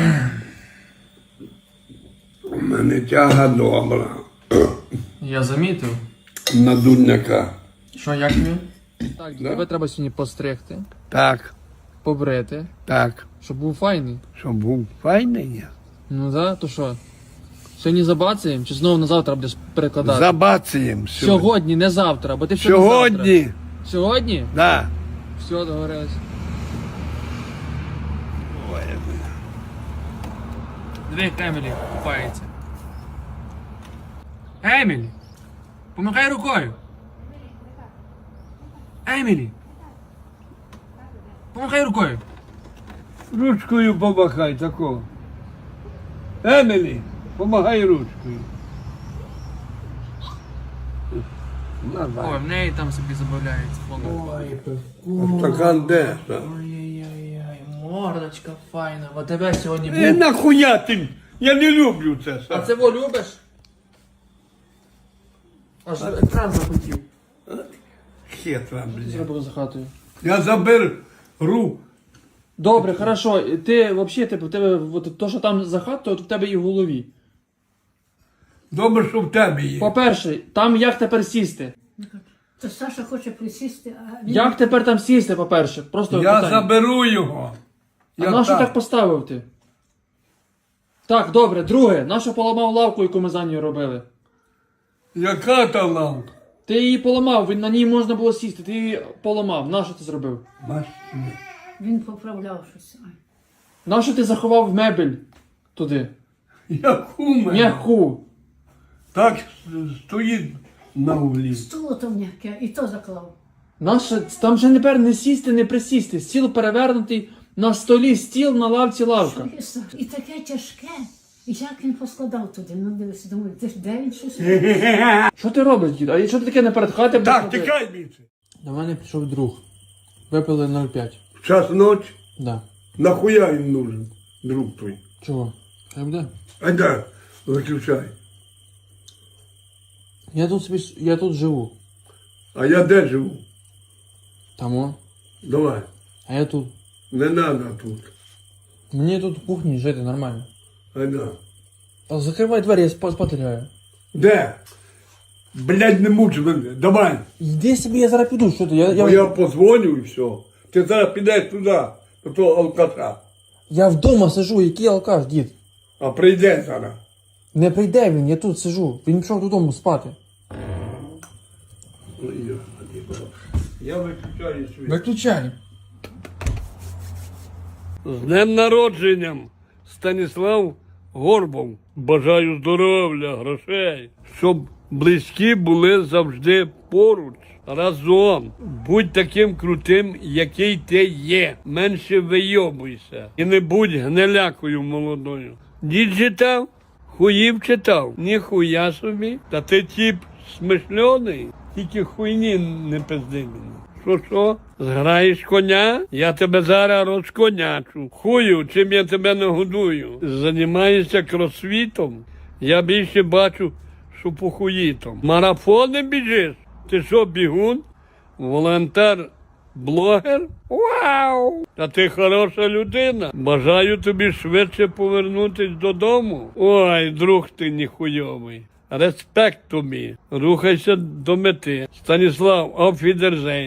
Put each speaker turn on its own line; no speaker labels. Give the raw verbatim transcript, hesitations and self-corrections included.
У мене тяга добра.
Я замітив.
На дурняка.
Що, як він? Так,
Да.
тебе треба сьогодні постригти,
Так,
побрити,
так.
щоб був файний.
Щоб був файний я.
Ну да, то що? Сьогодні забацаємо, чи знову на завтра будеш перекладати?
Забацаємо сьогодні.
Сьогодні, не завтра, бо ти все на завтра.
Сьогодні.
Сьогодні?
Да.
Все, договорились.
Ой,
Диви, як Емілі купається. Емілі! Помахай рукою! Емілі! Помахай рукою!
ручкою помахай такого. Емілі, помагай ручкою.
Ой, в неї там собі забавляється. Ой,
А стакан де?
ой-ой-ой, мордочка файна. А тебе сьогодні
Е,
був.
нахуя ти? Я не люблю це.
А це во любиш? Аж екран захотів.
Хитра, блядь.
Зробив за хатою.
Я заберу.
Добре, хорошо. Ти взагалі, типу, в тебе, от, то, що там за хатою, то в тебе і в голові.
Добре, що в тебе є.
По-перше, там як тепер сісти?
То Саша хоче присісти, а він...
Як тепер там сісти, по-перше? Просто
Я
питання.
заберу його.
А
Я
на що
так.
так поставив ти? Так, добре, друге, на що поламав лавку, яку ми за нею робили?
Яка та лавка?
Ти її поламав, він- на ній можна було сісти, ти її поламав. На що ти зробив?
Машина.
Він поправляв щось. Ай.
На що ти заховав мебель туди?
Яку мене?
М'яку.
Так стоїть на углі.
Стуло то м'яке, і то заклав.
Нащо? Там же тепер не сісти, не присісти. Стіл перевернутий, на столі стіл, на лавці лавка.
Що є, Саша? І таке тяжке. І як він поскладав туди? Ну дивися, думаю, де, де він щось?
Що ти робиш, дід? А що ти таке не перед хати? будеш
Так,
робити?
тікай більше.
До мене прийшов друг. Випили нуль п'ять.
В час ночі?
Да.
Нахуя їм нужен, друг твій?
Чого? Хай буде.
А да, виключай.
Я тут собі, с- я тут живу.
А я де живу?
Тамо.
Давай.
А я тут.
Не надо тут.
Мені тут в кухні жити нормально.
А да.
Та закривай двері, я спа- спати лягаю.
Де? Блядь, не муч мене. Давай.
Йди собі, я зараз піду, що ти? Я,
Я,
я,
я позвоню і все. Ти зараз підеш туди, до того алкаша.
я вдома сижу, який алкаш, дід.
А прийде зараз.
Не прийде він, я тут сижу. Він пішов додому спати.
Ой, Господи. Я виключаю світ.
Виключай.
З днем народженням, Станіслав Горбов. Бажаю здоров'я, грошей, щоб близькі були завжди поруч, разом. Будь таким крутим, який ти є. Менше вийобуйся. І не будь гнилякою молодою. Дід читав, хуїв читав. Ніхуя собі. Та ти тіп смишльоний, тільки хуйні не пизди мені. Що, що? Зграєш коня? Я тебе зараз розконячу. Хую, чим я тебе нагодую. Займаєшся кросфітом? Я більше бачу, що похуїтом. Марафони біжиш? Ти що, бігун? Волонтер? Блогер? Вау! Та ти хороша людина. Бажаю тобі швидше повернутись додому. Ой, друг ти ніхуйовий. Респект тобі. Рухайся до мети. Станіслав, auf Wiedersehen.